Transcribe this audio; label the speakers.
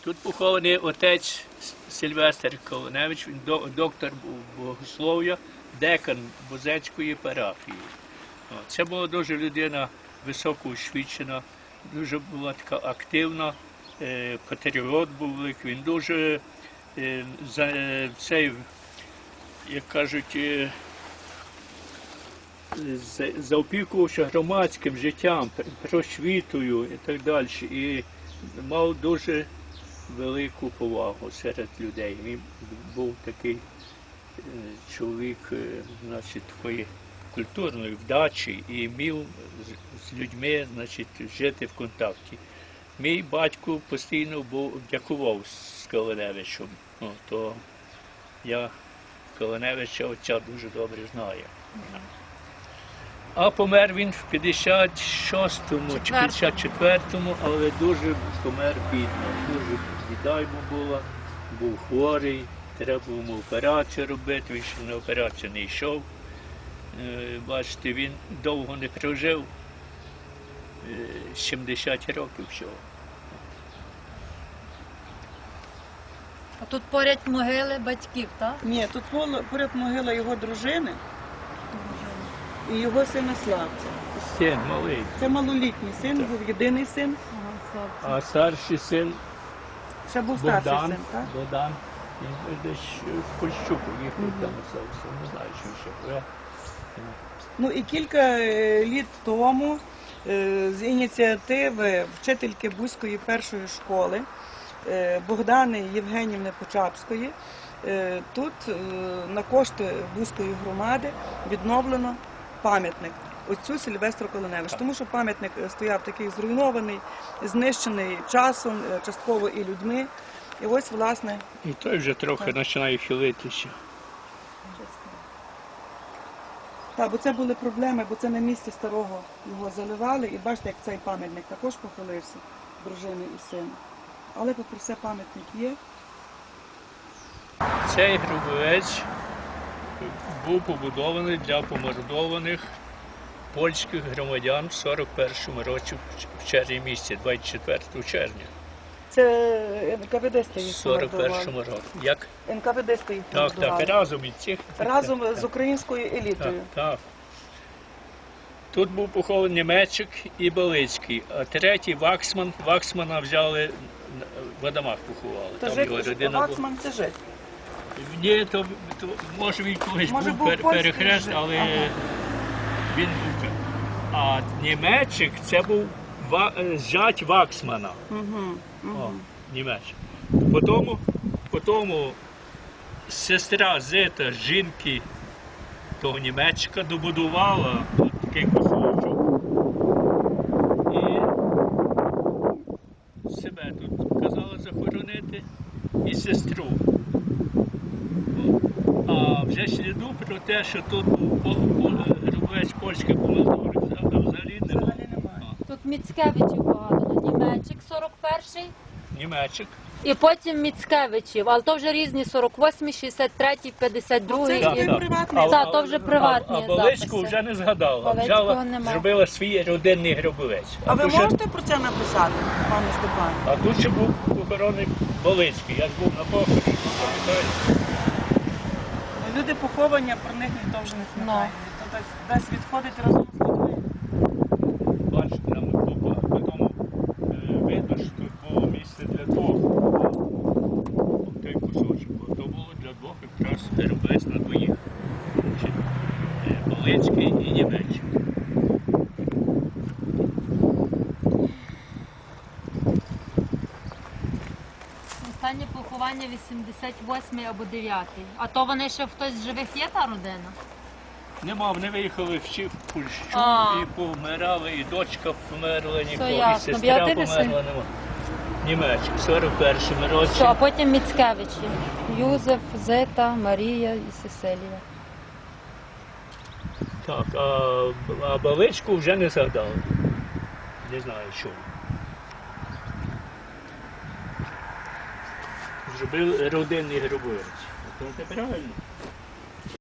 Speaker 1: Тут похований отець Сильвестр Колоневич, він доктор богослов'я, декан Бузецької парафії. Це була дуже людина високоосвічена, дуже була така активна, патріот був великий, він дуже цей, як кажуть, заопікувався громадським життям, просвітою і так далі. І мав дуже велику повагу серед людей. Він був такий чоловік, значить, такої культурної вдачі і вмів з людьми, значить, жити в контакті. Мій батько постійно дякував з Колоневичем, то я Колоневича отця дуже добре знаю. А помер він в 56-му чи 54-му, але дуже помер бідно. Дуже біда йому була, був хворий, треба було йому операцію робити, він ще на операцію не йшов. Бачите, він довго не прожив, 70 років всього.
Speaker 2: А тут поряд могили батьків, так?
Speaker 3: Ні, тут поряд могила його дружини і його сина Славця.
Speaker 1: Син малий.
Speaker 3: Це малолітній син, був єдиний син.
Speaker 1: А старший син
Speaker 3: Ще був старший
Speaker 1: Богдан,
Speaker 3: син, так?
Speaker 1: Богдан, він десь в Польщу поїхав, там остався, не знаю, що ще.
Speaker 3: Ну і кілька літ тому з ініціативи вчительки Бузької першої школи Богдани Євгенівни Почапської тут на кошти Бузької громади відновлено пам'ятник отцю Сильвестру Колоневичу, тому що пам'ятник стояв такий зруйнований, знищений часом, частково і людьми. І ось, власне...
Speaker 1: І той вже трохи починає хилитися.
Speaker 3: Так, бо це були проблеми, бо це на місці старого його заливали. І бачите, як цей пам'ятник також похилився, дружини і сина. Але попри все пам'ятник є.
Speaker 1: Цей гробовець був побудований для помордованих польських громадян в 41-му році в червні місяці, 24 червня.
Speaker 3: Це НКВД-сти їх
Speaker 1: В 41-му році. Як?
Speaker 3: НКВД-сти їх
Speaker 1: Так, разом із цих.
Speaker 3: разом з українською елітою.
Speaker 1: Так. Тут був похований Німеччик і Балицький, а третій Ваксман. Ваксмана взяли в Адамах поховали.
Speaker 3: То
Speaker 1: Там його родина була.
Speaker 3: Ваксман це жит.
Speaker 1: Ні, то може він колись був перехрест, але він був. А Німеччик це був зять Ваксмана. Німеччик. Потім сестра Зита, жінки того Німеччика, добудувала такий кусочок. І себе тут казала захоронити і сестру. А вже сліду про те, що тут гробовець польський помилковий взагалі немає.
Speaker 2: Тут Міцкевичів багато. Німеччик 41-й.
Speaker 1: Німеччик.
Speaker 2: І потім Міцкевичів, але то вже різні 48-й, 63-й, 52-й. Так, то вже приватні
Speaker 1: А Балицьку
Speaker 2: записи.
Speaker 1: вже не згадала.
Speaker 2: Балицького
Speaker 1: Взяла,
Speaker 2: нема.
Speaker 1: зробила свій родинний гробовець.
Speaker 3: А ви
Speaker 1: тут ще-
Speaker 3: можете про це написати, пане Степане?
Speaker 1: А тут ще був похоронений Балицький. Я ж був на похороні, пам'ятаєте?
Speaker 3: Люди поховані, а про них ніхто вже не пам'ятає. То десь відходить разом з людьми.
Speaker 1: Бачите, нам потім видно, що тут було місце для двох. Той кусочок. То було для двох якраз гробовець на двоїх. Балицький і Німеччик.
Speaker 2: Останнє поховання 88-й або 9-й. А то вони ще хтось з живих є, та родина?
Speaker 1: Нема, вони виїхали всі в Польщу
Speaker 2: А.
Speaker 1: і помирали, і дочка померла, і
Speaker 2: ясно.
Speaker 1: сестра
Speaker 2: Єдиний
Speaker 1: померла.
Speaker 2: син?
Speaker 1: Нема. Німеччик, в 41-му році.
Speaker 2: Все, а потім Міцкевичі. Юзеф, Зита, Марія і Сесилія.
Speaker 1: Так, а Баличку вже не згадали. Не знаю чому. Зробив родинний гробовець. Це правильно?